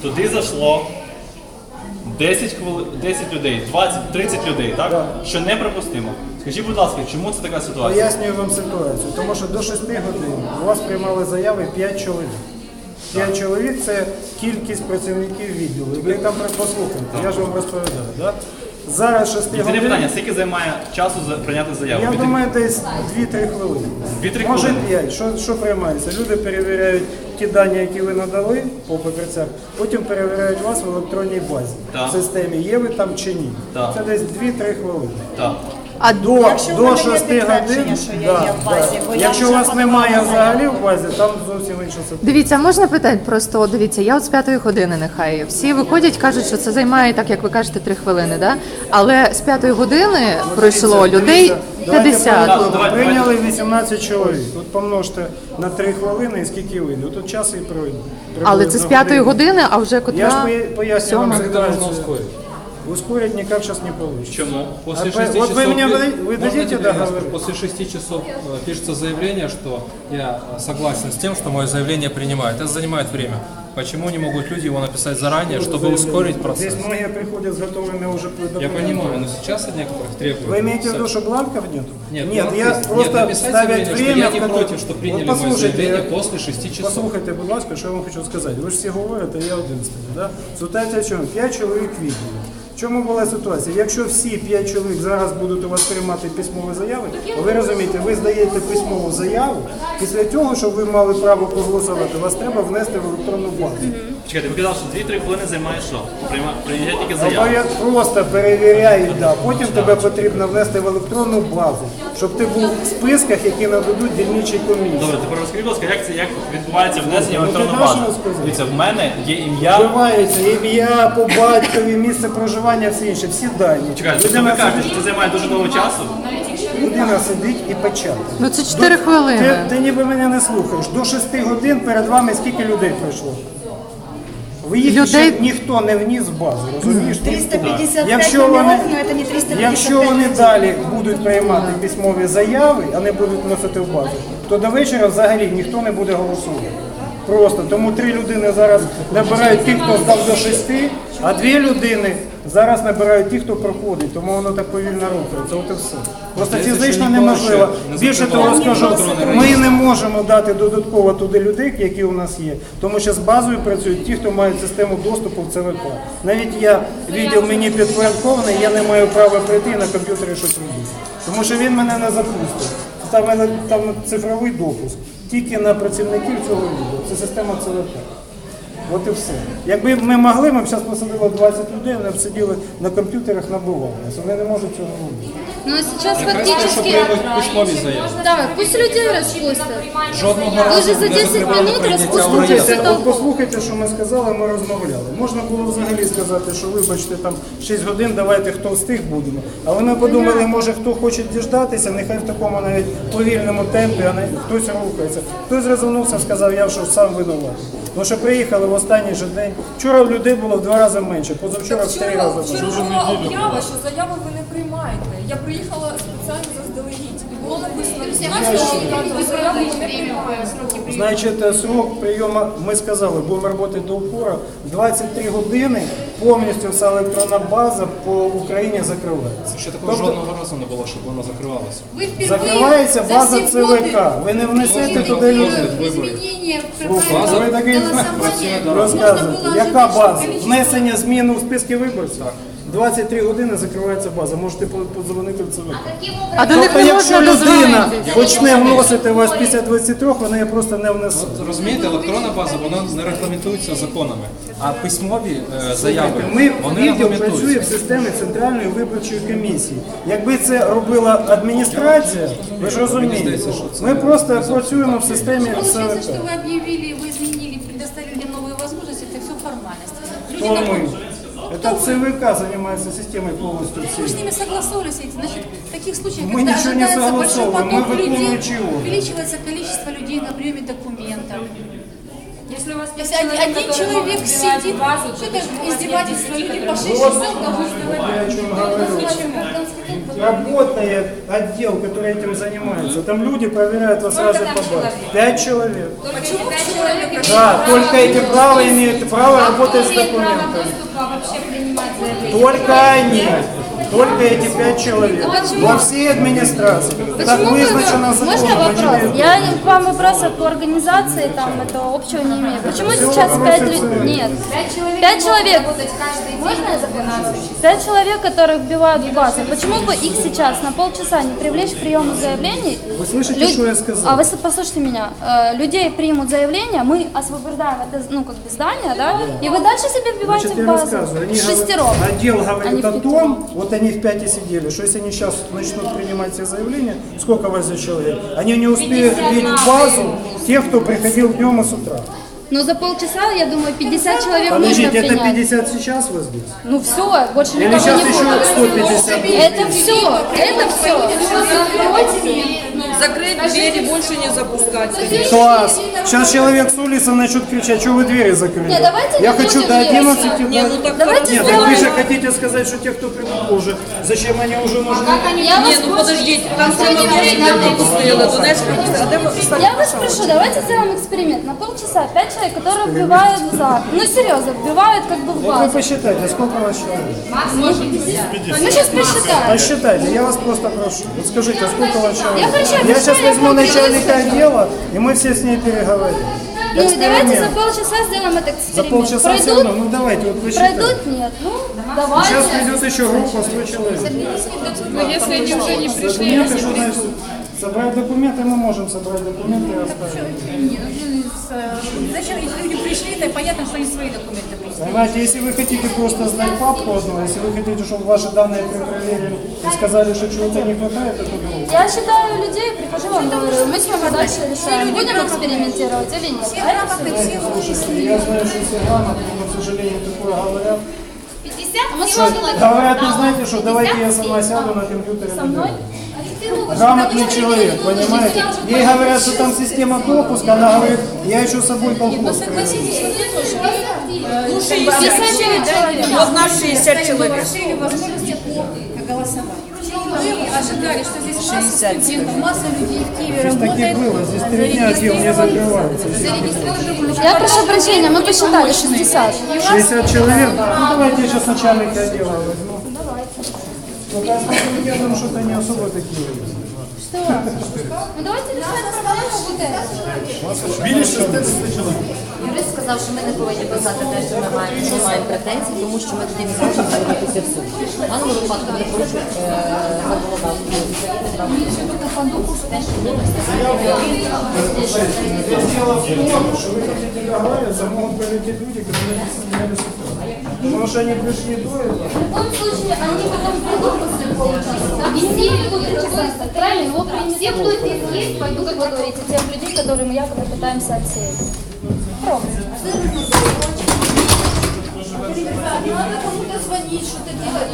туди зайшло 10 людей, 20, 30 людей, так? Так. Що неприпустимо. Скажіть, будь ласка, чому це така ситуація? Пояснюю вам ситуацію, тому що до 6 годин у вас приймали заяви 5 чоловік. 5 чоловік – це кількість працівників відділу. Ви там послухайте, я ж вам розповідаю. Да? Зараз 6 Єдине годин, питання, скільки займає часу прийняти заяву? я думаю, десь 2-3 хвилини. 2-3 Може хвилини? 5. Що приймається? Люди перевіряють ті дані, які ви надали по папірцях, потім перевіряють вас в електронній базі. Так. В системі є ви там чи ні. Так. Це десь 2-3 хвилини. Так. А Якщо в До мене є 6 годин, підтвердження, що я є в базі, бо я якщо у вже вас немає подавала взагалі в базі, там зовсім інша ситуація. дивіться, можна питати просто, от дивіться, я от з 5 години нехай. Всі виходять, кажуть, що це займає, так як ви кажете, 3 хвилини, да? Але з 5 години пройшло людей 50. Давайте. Прийняли 18 чоловік. От помножте на 3 хвилини і скільки вийде. Тут час і пройде. Але це з 5 години, а вже Я ж котра поясню вам 7. ситуацию. Ускорить никак сейчас не получится. Чому? После А 6 вот часов, вы мне можно дадите тебе я договор? скажу? После 6 часов пишется заявление, что я согласен с тем, что мое заявление принимают. Это занимает время. Почему не могут люди его написать заранее, чтобы ускорить процесс? Здесь многие приходят с готовыми уже Я документами. понимаю, но сейчас от некоторых требуют. Вы имеете в виду, что бланков нет? Нет, Нет, бланков я есть. просто Нет, написать ставить заявление, что время, я в не котором- против, что приняли Вот мое послушайте, заявление после 6 часов. Послухайте, будь ласка, що я вам хочу сказати. Ви ж всі говорите, я один стою. Да? Ситуація в чому? 5 чоловік відділу. В чому була ситуація? Якщо всі 5 чоловік зараз будуть у вас приймати письмові заяви, ви розумієте, ви здаєте письмову заяву, після цього, щоб ви мали право проголосувати, вас треба внести в електронну базу. Чекайте, ви казали, що 2-3 хвилини займає що? Прийняття тільки заяви. Просто перевіряють, да. Потім тебе потрібно внести в електронну базу, щоб ти був в списках, які нададуть дільничій комісії. Добре, тепер розкажіть, будь ласка, як відбувається внесення в Ну, електронну ти базу? даш розказати? Дивіться, в мене є ім'я. Вбивається ім'я, по батькові, місце проживання, все інше, всі дані. Чекайте, тобто ви кажете, що це займає дуже довго часу? Людина сидить і печатає. Ну це 4 хвилини. Ти ніби мене не слухаєш. До 6 годин перед вами скільки людей пройшло? Ви їх Людей- ще ніхто не вніс в базу, розумієш? 355 Якщо номеров, вони, но это не 355 якщо вони далі будуть приймати письмові заяви, а не будуть вносити в базу, то до вечора взагалі ніхто не буде голосувати. Просто тому 3 людини зараз набирають ті, хто здав до 6, а 2 людини зараз набирають ті, хто проходить, тому воно так повільно рухається. От і все. Просто фізично неможливо. Більше того скажу, ми не можемо дати додатково туди людей, які у нас є, тому що з базою працюють ті, хто мають систему доступу в ЦВК. Навіть я, відділ мені підпорядкований, я не маю права прийти і на комп'ютері щось робити. Тому що він мене не запустить. Там цифровий допуск. Тільки на працівників цього відділу. Це система ЦВК. От і все. Якби ми могли, ми б зараз посадили 20 людей, вони б сиділи на комп'ютерах, набивалися. Вони не можуть цього робити. Но сейчас Якраз те, що фактически... приймуть письмові заяви. Да, пусть людей распустят. Жодного Вы разу же за не 10 закривали минут прийняття в распустите район. всю От толпу. послухайте, що ми сказали, ми розмовляли. Можна було взагалі сказати, що вибачте, там 6 годин, давайте хто встиг будемо. Але ми подумали, може хто хоче діждатися, нехай в такому навіть повільному темпі, а не хтось рухається. Хтось розвернувся, сказав, я що сам винуватий. Тому що приїхали в останній же день. Вчора в людей було в 2 рази менше, позавчора в 3 рази менше. Вчора була об'ява, що заяви ви не приймаєте. Я приїхала спеціально заздалегідь. І було написано, що заяви ви не приймаєте. Значить, срок прийому, ми сказали, будемо працювати до упора, 23 години повністю вся електронна база по Україні закривається. Ще такого жодного разу не було, щоб вона закривалася. Вы впервые Закривається за база все ЦВК, годы ви не внесете изменения туди людей. изменения База, ви такий розказуєте. Яка база? Внесення змін у списки виборців? 23 години закривається база, можете подзвонити в ЦВК. А до них Тобто, не якщо можна людина дозвонитися. почне вносити вас після 23, вона її просто не внесе. Розумієте, електронна база, вона не регламентується законами, а письмові заяви, Ми вони відділ працює в регламентуються. системі Центральної виборчої комісії. Якби це робила адміністрація, ви ж розумієте, ми просто працюємо в системі Получается, что ЦВК. вы объявили, вы изменили, предоставили новые возможности, это все формальности. Люди Хто там- ми? Это ЦВК занимается системой полностью Вы с всей. ними согласовывались, значит, в таких случаях, Мы когда ничего не ожидается большой согласовываем, мы поток выполняем людей, чего? увеличивается количество людей на приеме документов. Если у вас Если один человек сидит, что это издевательство, люди по 6 часов должны Я о чем говорю. Работает отдел, который этим занимается. Там люди проверяют вас раза по базе. 5 человек. Почему 5 человек? Да, только эти права имеют право работать с документами. Вообще принимать заявление. Только они. Только эти 5 человек. Во всей администрации. Так вызначено Можно законом. вопрос? Я к вам вопросов по организации там этого общего не имею. Почему сейчас 5 людей? Нет. 5 человек. Можно я законодатель? 5 человек, которых вбивают в базу. Почему бы их сейчас на полчаса не привлечь к приему заявлений? Вы слышите, что я сказал? А вы послушайте меня. Людей примут заявление, мы освобождаем это, ну, как бы здание, да? И вы дальше себе вбиваете Значит, в я базу. рассказываю. Они Шестером. Отдел Они говорит в о том, пятером. вот они в 5 и сидели, что если они сейчас начнут принимать все заявления, сколько вас за человек, они не успеют влить в базу тех, кто приходил днем и с утра. Но за полчаса, я думаю, 50 человек Подождите, можно это принять. 50 сейчас вы здесь? Ну все, больше Или никого сейчас не еще будет. 150? Это все. Закрыть двери, больше не запускать. Класс! Сейчас человек с улицы начнет кричать, что вы двери закрыли? Не, давайте Я не хочу будем до двери. 11. Давайте Нет, так вы сделаем. же хотите сказать, что те, кто придут позже, зачем они уже нужны? Я вас Ну подождите, там все пропустили, Донецк. Я вас прошу, давайте сделаем эксперимент. На полчаса 5 человек, которые вбивают в зал. Ну серьезно, вбивают как бы в Вот вы базу. посчитайте, сколько у вас человек? Мы сейчас посчитаем. Посчитайте, я вас просто прошу. Вот скажите, сколько у вас человек? Я хочу, Я сейчас обещаю, возьму я начальника отдела, и мы все с ней переговорим. Ну и давайте за Эксперимент. полчаса сделаем этот За эксперимент. полчаса все равно, ну давайте, вот посчитайте. Пройдут? Нет. Ну, давайте. Сейчас придет еще группа 100 человек. Если они уже не пришли, Документы, что значит? Собрать документы мы можем собрать документы и оставить. Зачем, если люди пришли, то понятно, что они свои документы прислали. Понимаете, если вы хотите просто знать папку одну, если вы хотите, чтобы ваши данные проверили и сказали, что чего-то не хватает, это другое. Я считаю людей, прихожу вам говорю, мы с вами дальше решаем, будем экспериментировать или нет. Слушайте, я знаю, что все грамотные, но, к сожалению, такое говорят. 50 Говорят, не знаете, что давайте я сама сяду на компьютере. со мной. Грамотный человек, понимаете? Ей говорят, что там система допуска, она говорит, я еще с собой колхоз привезу. Ну, 50 человек. Вот нас 60 человек. Расширили возможности по голосованию. Мы ожидали, что здесь масса студентов, масса людей в Киеве Здесь таких работает. было, здесь 3 дня отдел не закрывается. Я прошу прощения, мы посчитали 60. 60 человек? Ну давайте я сейчас начальника отдела возьму. Только я думаю, что это не особо такие. Что? Ну давайте решать проблему вот эту. Юрист сказав, що ми не повинні писати те, що ми маємо претензії, тому що ми тоді не зможемо звернутися в суд. В даному випадку вони порушують законодавство України. Те, що є, Дело в том, что вы хотите договариваться, могут прилететь люди, которые не сняли ситуацию. Потому что они пришли до этого. В любом случае, они потом придут после получаса. И все будут участвовать. Правильно? Вот все, кто здесь есть, пойдут, как вы говорите, тех людей, которые мы якобы пытаемся отсеять. Пробуйте. Надо кому-то звонить, что-то делать.